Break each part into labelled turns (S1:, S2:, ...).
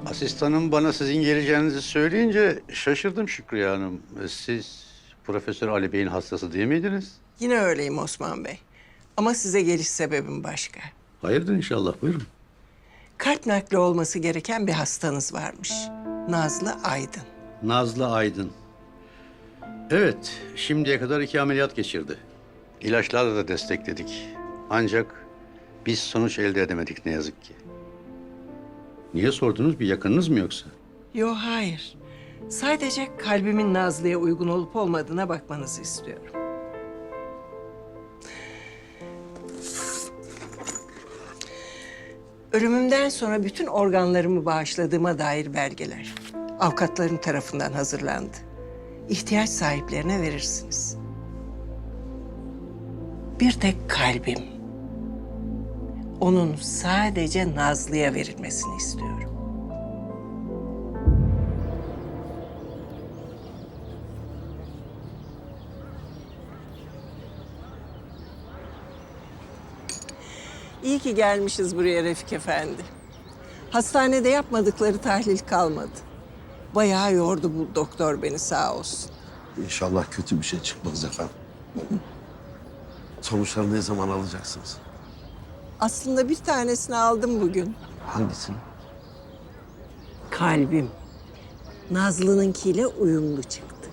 S1: Asistanım bana sizin geleceğinizi söyleyince şaşırdım Şükriye Hanım. Siz Profesör Ali Bey'in hastası değil miydiniz?
S2: Yine öyleyim Osman Bey. Ama size geliş sebebim başka.
S1: Hayırdır inşallah, buyurun.
S2: Kalp nakli olması gereken bir hastanız varmış. Nazlı Aydın.
S1: Nazlı Aydın. Evet, şimdiye kadar 2 ameliyat geçirdi. İlaçlarla da destekledik. Ancak biz sonuç elde edemedik ne yazık ki. Niye sordunuz? Bir yakınınız mı yoksa?
S2: Yo hayır. Sadece kalbimin Nazlı'ya uygun olup olmadığına bakmanızı istiyorum. Ölümümden sonra bütün organlarımı bağışladığıma dair belgeler avukatlarım tarafından hazırlandı. İhtiyaç sahiplerine verirsiniz. Bir tek kalbim. Onun sadece Nazlı'ya verilmesini istiyorum. İyi ki gelmişiz buraya Refik Efendi. Hastanede yapmadıkları tahlil kalmadı. Bayağı yordu bu doktor beni sağ olsun.
S3: İnşallah kötü bir şey çıkmaz efendim. Sonuçları ne zaman alacaksınız?
S2: Aslında bir tanesini aldım bugün.
S3: Hangisini?
S2: Kalbim. Nazlı'nınkiyle uyumlu çıktı.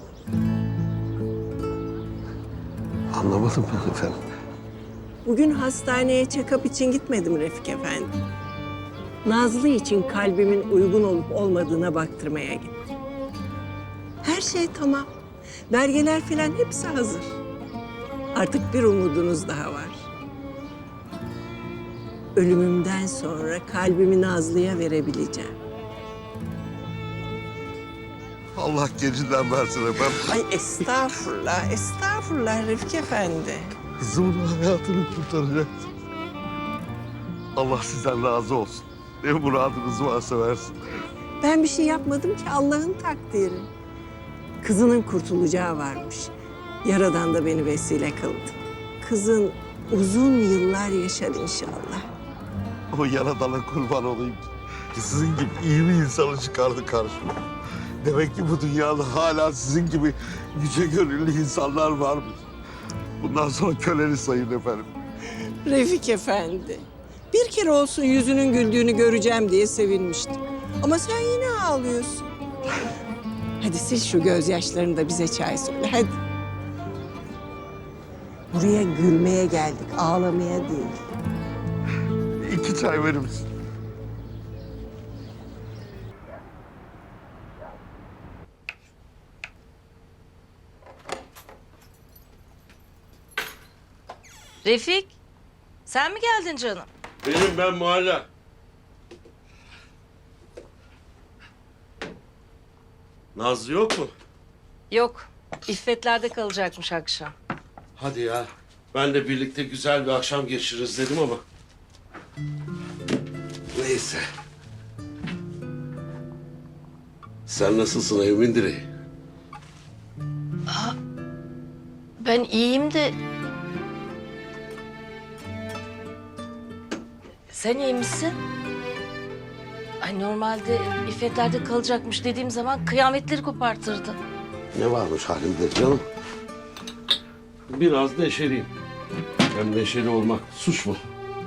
S3: Anlamadım ben efendim.
S2: Bugün hastaneye check-up için gitmedim Refik Efendi. Nazlı için kalbimin uygun olup olmadığına baktırmaya gittim. Her şey tamam. Belgeler falan hepsi hazır. Artık bir umudunuz daha var. Ölümümden sonra kalbimi Nazlı'ya verebileceğim.
S3: Allah gecinden versin efendim.
S2: Ay estağfurullah, estağfurullah Refik Efendi.
S3: Kızımın hayatını kurtaracaksın. Allah sizden razı olsun. Ne muradınız varsa versin.
S2: Ben bir şey yapmadım ki Allah'ın takdiri. Kızının kurtulacağı varmış. Yaradan da beni vesile kıldı. Kızın uzun yıllar yaşar inşallah.
S3: O yaradana kurban olayım ki sizin gibi iyi bir insanı çıkardı karşıma. Demek ki bu dünyada hala sizin gibi yüce gönüllü insanlar varmış. Bundan sonra köleni sayın efendim.
S2: Refik Efendi, bir kere olsun yüzünün güldüğünü göreceğim diye sevinmiştim. Ama sen yine ağlıyorsun. Hadi sil şu gözyaşlarını da bize çay söyle, hadi. Buraya gülmeye geldik, ağlamaya değil.
S3: 2 çay verir misin?
S4: Refik, sen mi geldin canım?
S3: Ben Muhalla. Nazlı yok mu?
S4: Yok, İffetler'de kalacakmış akşam.
S5: Hadi ya. Ben de birlikte güzel bir akşam geçiririz dedim ama. Neyse. Sen nasılsın evimin direği?
S4: Ben iyiyim de... Sen iyi misin? Ay normalde İffetler'de kalacakmış dediğim zaman kıyametleri kopartırdı.
S5: Ne varmış halimde canım? Biraz neşeliyim. Hem neşeli olmak suç mu?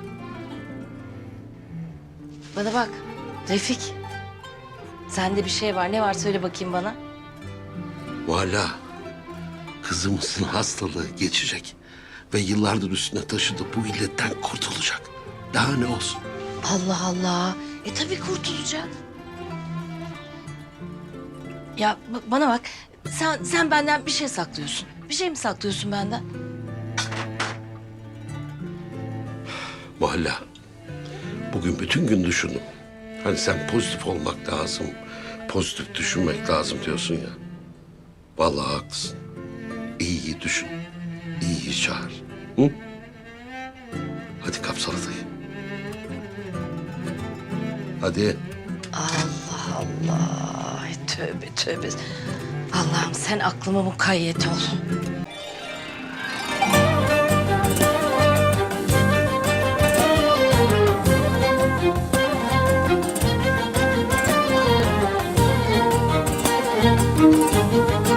S4: Bana bak, Refik. Sende bir şey var. Ne var söyle bakayım bana.
S5: Valla kızımızın hastalığı geçecek. Ve yıllardır üstüne taşıdığı bu illetten kurtulacak. Daha ne olsun?
S4: Allah Allah. Tabii kurtulacak. Ya bana bak. Sen benden bir şey saklıyorsun. Bir şey mi saklıyorsun benden?
S5: Valla bugün bütün gün düşündüm. Hani sen pozitif olmak lazım, pozitif düşünmek lazım diyorsun ya. Vallahi haklısın. İyiyi düşün, iyiyi çağır. Hı? Hadi kap salatayı. Hadi.
S4: Allah Allah. Ay, tövbe tövbe. Allah'ım sen aklıma mukayyet ol.
S2: Müzik